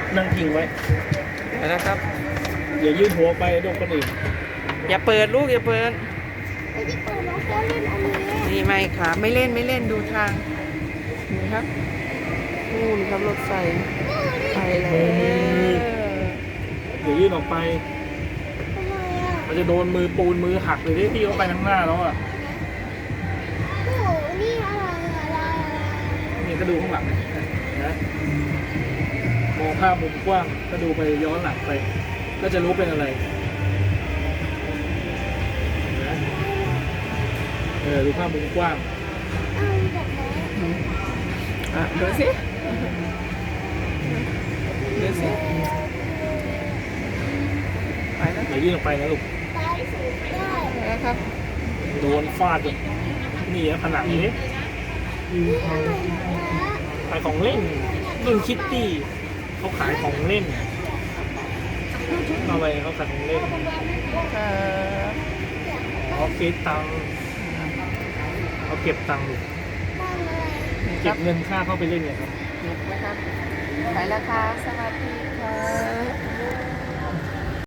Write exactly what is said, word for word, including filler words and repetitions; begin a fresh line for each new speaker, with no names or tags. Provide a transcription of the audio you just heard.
นั่งพิงไว้
นะครับ
อย่ายื่นหัวไปโดนคนอื่น
อย่าเปิดลูกอย่าเปิด
ไม่ได้เปิดน้องแก้วเล่นอันนี้
นี่ไม่ครับไม่เล่นไม่เล่นดูทางนี่ครับนู่นครับรถไฟไปแล้ว
อย่ายื่นออกไป
ทำไมอ่ะ
มันจะโดนมือปูนมือหักเลยที่ที่เขาไปข้างหน้าแล้วอ่ะ
โอ้โหนี่อะไรอะไรอะไร
นี่ก็ดูข้างหลังนะมองภาพมุมกว้างก็ดูไปย้อนหลังไป ก็จะรู้เป็นอะไรนะเออดูภาพมุมกว้าง
เอาแบบไหน
อ่ะดูสิดูสิไปแล้ว
อย่ายื่นออกไปนะลูก
ตายสูงได้
นะครับ
โดนฟาดอีกนี่นะผนังนี้
นี่อะไรนะ
ขายของเล่นรุ่นคิตตี้เขาขายของเล่นเอาไปเขาขายของเล่น
ครับ
เขาเก็บตังค์เขาเก็บตังค์
ตั้งอะไร
เก็บเงินค่าเข้าไปเล่นเนี่ยครับ
นะครับไปแล้วครับสวัสดีครับ